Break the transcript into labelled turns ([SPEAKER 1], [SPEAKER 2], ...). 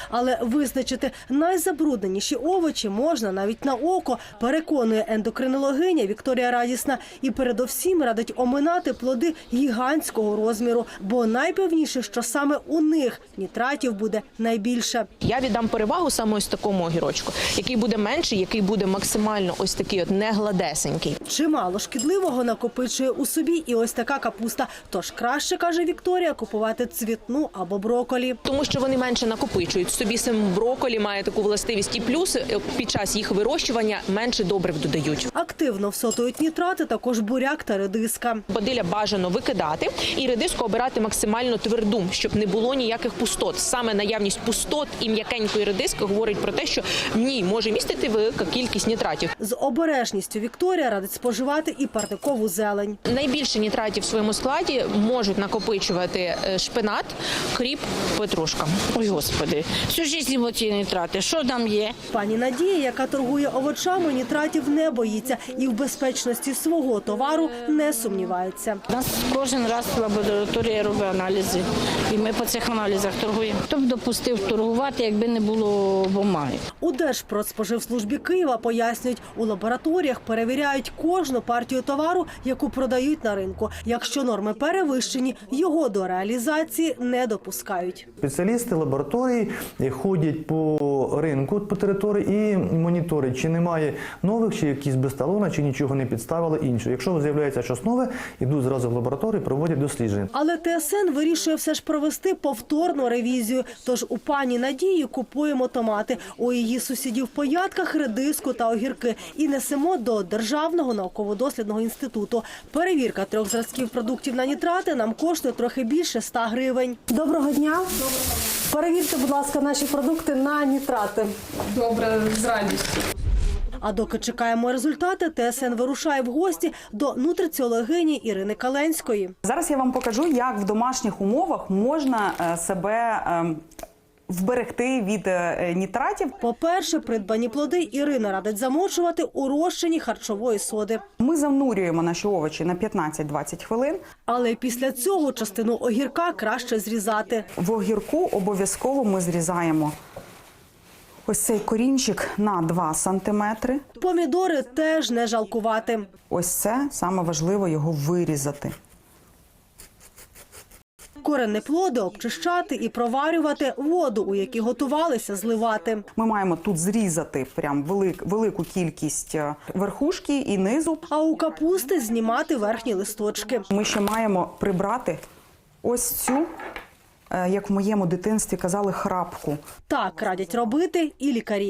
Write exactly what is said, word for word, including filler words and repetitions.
[SPEAKER 1] Але визначити найзабрудненіші овочі можна навіть на око, переконує ендокринологиня Вікторія Радісна. І передовсім радить оминати плоди гігантського розміру, бо найпевніше, що саме у них нітратів буде найбільше.
[SPEAKER 2] Я віддам перевагу саме ось такому огірочку, який буде менший, який буде максимально ось такий от негладесенький.
[SPEAKER 1] Чимало шкідливого накопичує у собі і ось така капуста. Тож краще, каже Вікторія, купувати цвітну або брокколі.
[SPEAKER 2] Тому що вони менше накопичують. В собі сам брокколі має таку властивість і плюс під час їх вирощування менше добрив додають.
[SPEAKER 1] Активно всотують нітрати також буряк та редиска.
[SPEAKER 2] Бадилля бажано викидати і редиску обирати максимально тверду, щоб не було ніяких пустот. Саме наявність пустот і м'якенької редиски говорить про те, що в ній може містити велика кількість нітратів.
[SPEAKER 1] З обережністю Вікторія радить споживати і парникову зелень.
[SPEAKER 2] Найбільше нітратів в своєму складі можуть накопичувати шпинат, кріп, петрушка.
[SPEAKER 3] Ой, Господи, всю життя оці нітрати, що там є?
[SPEAKER 1] Пані Надія, яка торгує овочами, нітратів не боїться і в безпечності свого товару не сумнівається.
[SPEAKER 3] У нас кожен раз лабораторія робить аналізи, і ми по цих аналізах торгуємо. Хто б допустив торгувати, якби не було бумаги?
[SPEAKER 1] У Держпродспоживслужбі Києва пояснюють, у лабораторіях перевіряють кожну партію товару, яку продають на ринку. Якщо норми перевищені, його до реалізації не допускають.
[SPEAKER 4] Спеціалісти лабораторії ходять по ринку, по території і моніторять, чи немає нових, чи якісь без талона, чи нічого не підставили іншого. Якщо з'являється щось нове, йдуть зразу в лабораторію, проводять дослідження.
[SPEAKER 1] Але ТСН вирішує все ж провести повторну ревізію. Тож у пані Надії купуємо томати, у її сусідів по ядках редиску та огірки і несемо до Державного науково-дослідного інституту. Перевірка трьох зразків продуктів на нітрати нам коштує трохи більше ста гривень. Доброго дня. Перевірте, будь ласка, наші продукти на нітрати.
[SPEAKER 5] Добре, з радістю.
[SPEAKER 1] А доки чекаємо результати, ТСН вирушає в гості до нутриціологині Ірини Каленської.
[SPEAKER 6] Зараз я вам покажу, як в домашніх умовах можна себе вберегти від нітратів.
[SPEAKER 1] По-перше, придбані плоди Ірина радить замочувати у розчині харчової соди.
[SPEAKER 6] Ми занурюємо наші овочі на п'ятнадцять-двадцять хвилин.
[SPEAKER 1] Але після цього частину огірка краще зрізати.
[SPEAKER 6] В огірку обов'язково ми зрізаємо ось цей корінчик на два сантиметри.
[SPEAKER 1] Помідори теж не жалкувати.
[SPEAKER 6] Ось це саме важливо його вирізати.
[SPEAKER 1] Коренні плоди обчищати і проварювати, воду, у якій готувалися, зливати.
[SPEAKER 6] Ми маємо тут зрізати прям велик, велику кількість верхушки і низу.
[SPEAKER 1] А у капусти знімати верхні листочки.
[SPEAKER 6] Ми ще маємо прибрати ось цю, як в моєму дитинстві казали, храпку.
[SPEAKER 1] Так радять робити і лікарі.